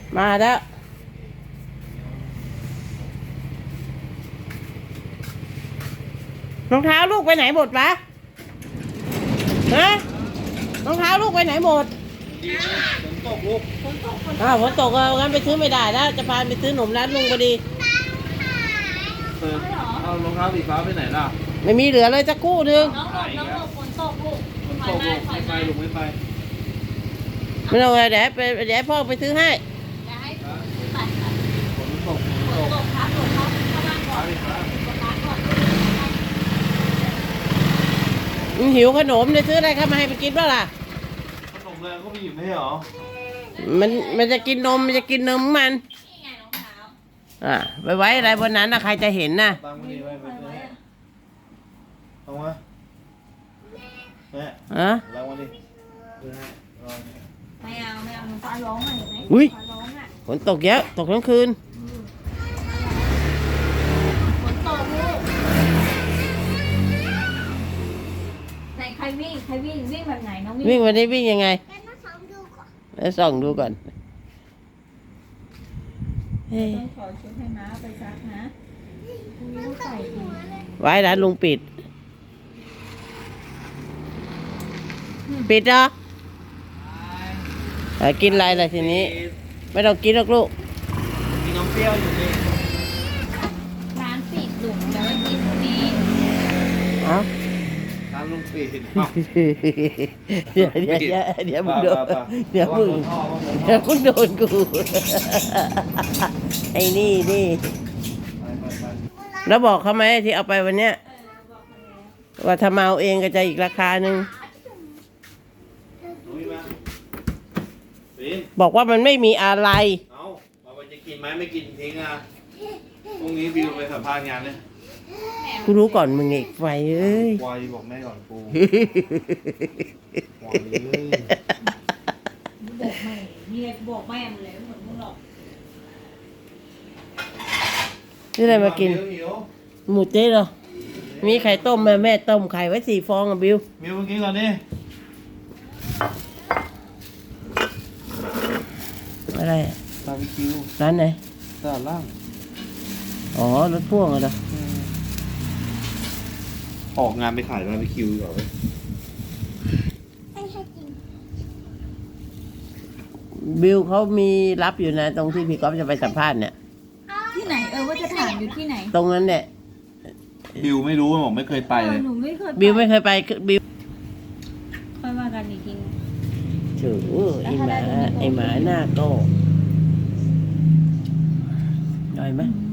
มาแล้วรองเท้าลูกไปไหนหมดวะฮะรองเท้าลูกไปไหนหมดฝนตกลูกฝนตกงั้นไปซื้อไม่ได้แล้วจะพาไปซื้อหนมร้านลุงพอดีเอารองเท้าสีฟ้าไปไหนล่ะไม่มีเหลือเลยจะกู้นึงน้องหลบฝนตกลูกฝนตกลูกไม่ไปลูกไม่ไปไม่ต้องเดี๋ยวพ่อไปซื้อให้จะให้ตัดฝนตกครับฝนเข้าบ้านก่อนร้านก่อนหิวขนมจะซื้ออะไรเข้ามาให้ไปกินบ้างล่ะขนมเลยก็ไปหยิบไม่เหรอมันจะกินนมมันจะกินนมมันนี่ไงรองเท้าไปไว้อะไรบนนั้นนะใครจะเห็นนะตั้งไว้ไปเอามาแม่ตั้งไว้ดิไม่เอาฟ้าร้องอ่ะเห็นไหมฟ้าร้องอ่ะฝนตกเยอะตกทั้งคืนฝนตกลูกไหนใครวิ่งแบบไหนน้องวิ่งวันนี้วิ่งยังไงแล้วส่องดูก่อนต้องขอชุดให้ม้าไปซักนะพรุ่งนี้ต้องใส่อีกไว้ร้านลุงปิดเหรอกินอะไรล่ะทีนี้ไม่ต้องกินหรอกลูกกินน้ำเปรี้ยวอยู่นี่ร้านปิดดุแต่ว่ากินพรุ่งนี้ร้านลุงปิดเดี๋ยวมึงโดนเดี๋ยวมึงโดนกูไอ้นี่แล้วบอกเขาไหมที่เอาไปวันเนี้ยว่าถ้ามาเอาเองก็จะอีกราคาหนึ่งบอกว่ามันไม่มีอะไรเอาไปจะกินไหมไม่กินทิ้งอ่ะพรุ่งนี้บิวไปสัมภาษณ์งานเนี่ยกูรู้ก่อนมึงไอ้ไฟเอ้ยควายบอกแม่ก่อนกูควายบอกแม่มีอะไรบอกแม่มันเลยเหมือนมึงหรอกนี่อะไรมากินหมูเจ๊เหรอมีไข่ต้มแม่ต้มไข่ไว้4 ฟองอ่ะบิวมากินก่อนดิอะไรบาร์บีคิวร้านไหนตลาดล่างอ๋อรถพ่วงเหรอออกงานไปขายบาร์บีคิวเหรอบิวเขามีรับอยู่นะตรงที่พี่ก๊อฟจะไปสัมภาษณ์เนี่ยที่ไหนว่าจะถามอยู่ที่ไหนตรงนั้นเนี่ยบิวไม่รู้บอกไม่เคยไปเลยหนูไม่เคยบิวไม่เคยไปบิวค่อยมากันอีกทีถือไอ้หมาหน้าโตได้ไหม